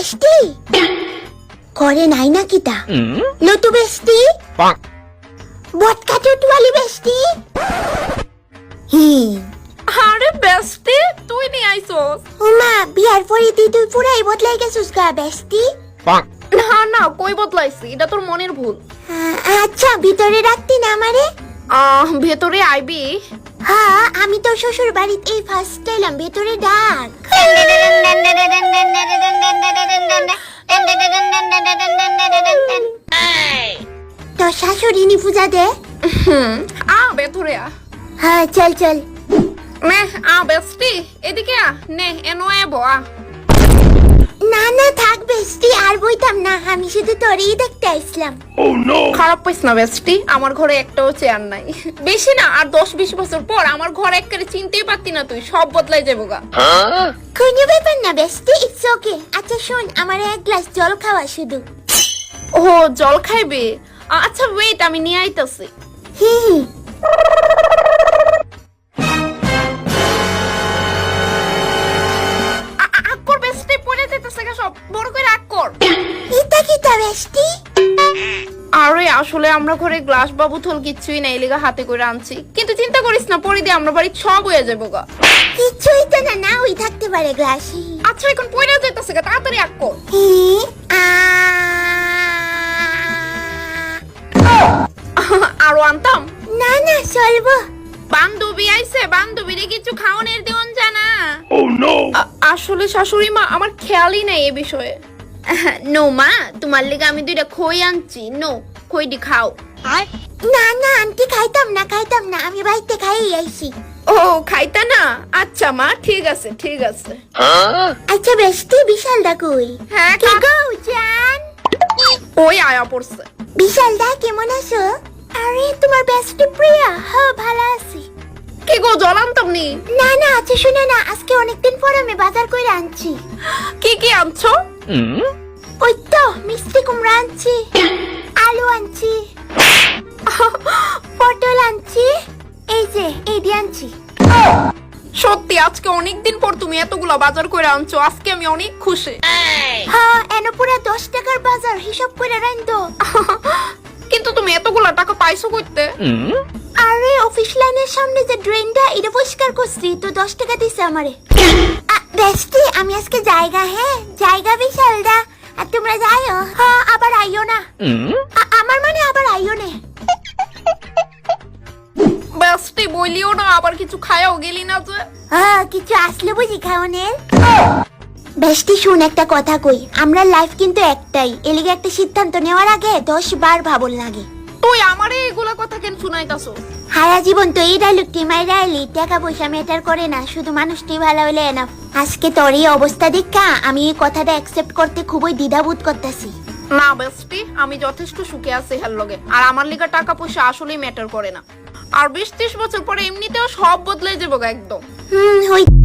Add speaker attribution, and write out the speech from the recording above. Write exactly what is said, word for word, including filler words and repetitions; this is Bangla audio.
Speaker 1: বেস্টি করে নাই নাকি তা লটু বেস্টি বটকা চটুয়ালি বেস্টি হুম
Speaker 2: আরে বেস্টি তুই নি আইছস
Speaker 1: উমা বিয়ার পরে দি তুই পুরাই বদলাই গেছিস গা বেস্টি
Speaker 2: না না কই বদলাইছি এটা তোর মনের ভুল
Speaker 1: আচ্ছা ভিতরে রাখতি না আমারে
Speaker 2: আহ ভেতরে আইবি
Speaker 1: হ্যাঁ আমি তো শ্বশুর বাড়িতে এই ফার্স্ট এলাম ভেতরে ডাক তো শাশুড়ি নি পূজা দে
Speaker 2: হুম আ ভেতরে আ
Speaker 1: হ্যাঁ চল চল
Speaker 2: নে আ বেস্টি এদিকে আ নে এনো এবো আ
Speaker 1: না না থাক বেস্টি আর বইতাম না আমি শুধু তোরেই দেখতে আসলাম
Speaker 2: খারাপ পাইস না বেস্টি আমার ঘরে একটাও চেয়ার নাই বেশি না আর দশ বিশ বছর পর আমার ঘর একবারে চিনতেই পারতি না তুই সব বদলাই যাবো গা
Speaker 1: কোনো ব্যাপার না বেস্টি ইটস ওকে আচ্ছা শোন আমার এক গ্লাস জল খাওয়া শুধু
Speaker 2: ও জল খাইবে আচ্ছা ওয়েট আমি নিয়ে আইতাছি
Speaker 1: হি হি
Speaker 2: আকর বেস্টি পড়ে যেতেছে গা সব বড় করে আকর
Speaker 1: এটা কি তা বেস্টি
Speaker 2: আরে আসলে আমরা ঘরে গ্লাস বা বোতল কিচ্ছুই নাই লেগা হাতে করে আনছি কিন্তু চিন্তা করিস না পরে দিয়ে আমরা বাড়ি সব হয়ে যাবো গা
Speaker 1: কিছুই তো না না ওই থাকতে পারে গ্লাস
Speaker 2: আচ্ছা এখন পড়ে যেতেছে গা তাড়াতাড়ি আকর
Speaker 1: হি আ
Speaker 2: আরো আনতাম
Speaker 1: না না চলবো
Speaker 2: বান্ধবী আইছে বান্ধবীরে কিছু খাওয়ানোর দেওয়ান জানা আসলে শাশুড়ি মা আমার খেয়ালই নাই এ বিষয়ে নো মা তোমার লেগে আমি দুইটা খই আনছি নো খইটি খাও
Speaker 1: না না আন্টি খাইতাম না খাইতাম না আমি বাড়িতে খাই আইছি
Speaker 2: ও খাইতা না আচ্ছা মা ঠিক আছে ঠিক আছে
Speaker 1: আচ্ছা বেস্টি বিশাল দা কই
Speaker 2: হ্যাঁ
Speaker 1: কে গো জান
Speaker 2: ওই আয়া পড়ছে
Speaker 1: বিশাল দা কেমন আছো আরে তোমার বেস্টি প্রিয়া হ্যাঁ ভালো আছি
Speaker 2: কি গো জল আনতাম নি
Speaker 1: না না আচ্ছা শুনে না আজকে অনেকদিন পর আমি বাজার করে আনছি
Speaker 2: কি কি আনছো
Speaker 1: ওই তো মিষ্টি কুমড়া আনছি আলু আনছি পটল আনছি এই যে এই দিয়ে আনছি
Speaker 2: সত্যি আজকে অনেকদিন পর তুমি এতগুলো বাজার করে আনছো আজকে আমি অনেক খুশি
Speaker 1: হ্যাঁ এনো পুরা দশ টাকার বাজার হিসাব করে রাখতো
Speaker 2: কিন্তু তুমি এতগুলো টাকা পাইছো করতে
Speaker 1: আরে অফিস লাইনের সামনে যে ড্রেনটা এটা পরিষ্কার করছি তো দশ টাকা দিছে আমারে বেস্টি আমি আজকে জায়গা হ্যাঁ জায়গা বিশাল দা আর তোমরা যাইও হ্যাঁ আবার আইও না আমার মানে আবার আইও না
Speaker 2: বেস্টি বলিও না আবার কিছু খায়াও গেলি না যে
Speaker 1: হ্যাঁ কিছু আসলে বুঝি খাওয়ানের বেস্টি শুন একটা কথা কই আমরা লাইফ কিন্তু একটাই এলিগে একটা সিদ্ধান্ত নেওয়ার আগে দশ বার ভাবল লাগে
Speaker 2: তুই আমারে এগুলা কথা কেন শুনাইতাছো
Speaker 1: সারা জীবন তো এই ডায়লগটি মাইরা এলি টাকা পয়সা ম্যাটার করে না শুধু মানুষটি ভালো হলে এনাফ আজকে তোর এই অবস্থা দেখা আমি এই কথাটা অ্যাকসেপ্ট করতে খুবই দ্বিধাবোধ করতেছি
Speaker 2: না বেস্টি আমি যথেষ্ট সুখে আছি হেল লগে আর আমার লিগা টাকা পয়সা আসলেই ম্যাটার করে না আর বিশ ত্রিশ বছর পরে এমনিতেও সব বদলে যাবো একদম
Speaker 1: হুম হই